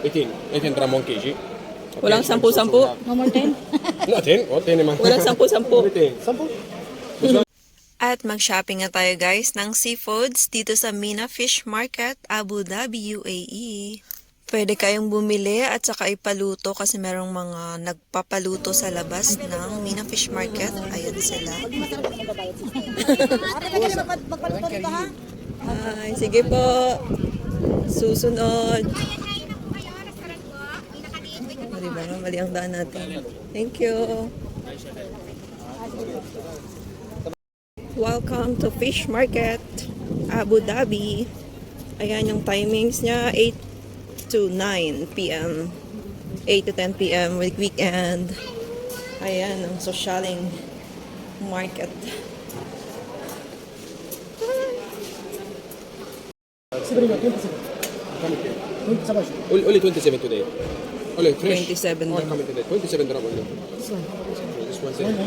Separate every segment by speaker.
Speaker 1: 18 gram 1 kg. Okay.
Speaker 2: Walang 10-10.
Speaker 3: No more 10?
Speaker 1: No, 10. Oh, 10 naman.
Speaker 2: Walang 10-10.
Speaker 1: 10.
Speaker 2: At mag-shopping na tayo guys ng seafoods dito sa Mina Fish Market, Abu Dhabi, UAE. Pwede kayong bumili at saka ipaluto kasi merong mga nagpapaluto sa labas ng Mina Fish Market. Ayan sila. Ay, sige po. Susunod. Diba? Mali ang daan natin. Thank you. Welcome to Fish Market, Abu Dhabi. Ayan yung timings niya, 8 to 9 p.m. 8 to 10 p.m. with weekend. Ayan ang socialing market.
Speaker 1: Only 27 today. Only fresh.
Speaker 2: 27
Speaker 1: Oh,
Speaker 2: lang.
Speaker 1: coming today. 27 gram only.
Speaker 3: This one.
Speaker 1: This one say.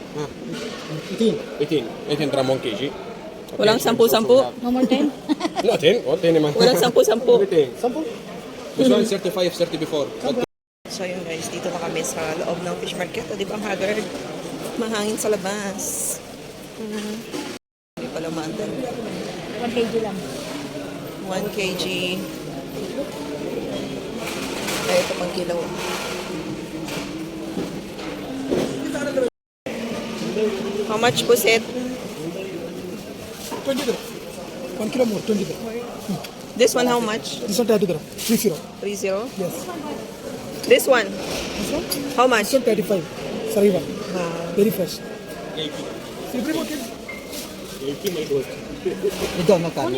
Speaker 1: 18 gram 1 kg. Okay.
Speaker 2: Walang 10-10.
Speaker 3: No more 10?
Speaker 1: No, 10. Oh, 10 naman.
Speaker 2: Walang 10-10.
Speaker 1: Everything. 10. This one 35, 30 before.
Speaker 2: So yun guys, dito na kami sa loob ng fish market. O di ba ang haggard? Mahangin sa labas. Hindi pala maandan.
Speaker 3: 1 kg lang.
Speaker 2: 1 kg. Ay, ito pang kilo. How much pusit?
Speaker 4: 20 gram. 1 kilo more, 20 gram.
Speaker 2: This one how much?
Speaker 4: This one 30 gram. 30.
Speaker 2: 30?
Speaker 4: Yes.
Speaker 2: This one?
Speaker 4: This one?
Speaker 2: How much?
Speaker 4: This one 35. Sariva. Very fresh.
Speaker 1: 80.
Speaker 4: Every more kilo.
Speaker 1: 80 may gold.
Speaker 5: Doon magkano?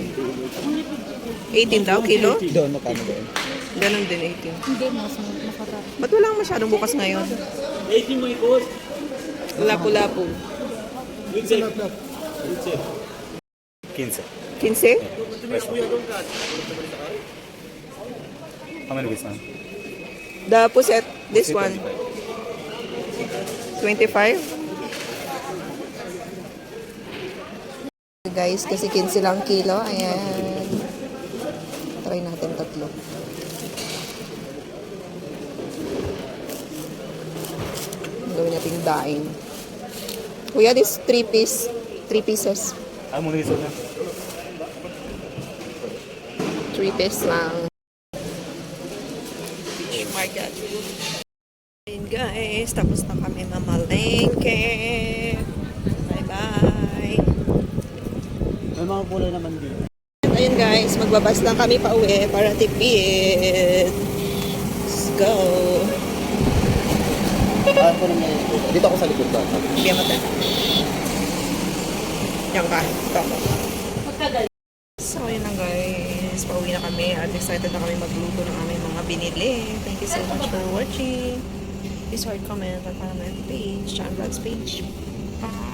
Speaker 2: 18 daw kilo?
Speaker 5: Doon magkano doon?
Speaker 2: Ganon din 18.
Speaker 3: Hindi, mas makarap.
Speaker 2: Ba't walang masyadong bukas ngayon?
Speaker 1: 80 may gold.
Speaker 2: Lapu-lapu.
Speaker 5: 15.
Speaker 2: 15?
Speaker 5: How many this one?
Speaker 2: The puset, this one. 25? Guys, kasi 15 lang kilo. Ayan. Try natin tatlo. Gawin natin daing. Kuya, this 3 pieces.
Speaker 5: Ah, muna isa na.
Speaker 2: 3 pieces lang. Fish market. Ayun guys, tapos na kami mamalengke. Bye-bye.
Speaker 5: May mga kulay naman dito.
Speaker 2: Ayun guys, magbabas lang kami pa uwi para tipid. Let's go.
Speaker 5: Ako naman. Dito ako sa likod ba?
Speaker 2: Bigyan mo tayo. Yan ka. Ito ako. So, ayun lang guys. Pauwi na kami at excited na kami magluto ng aming mga binili. Thank you so much for watching. Please comment and follow my page, John Vlogs page. Bye!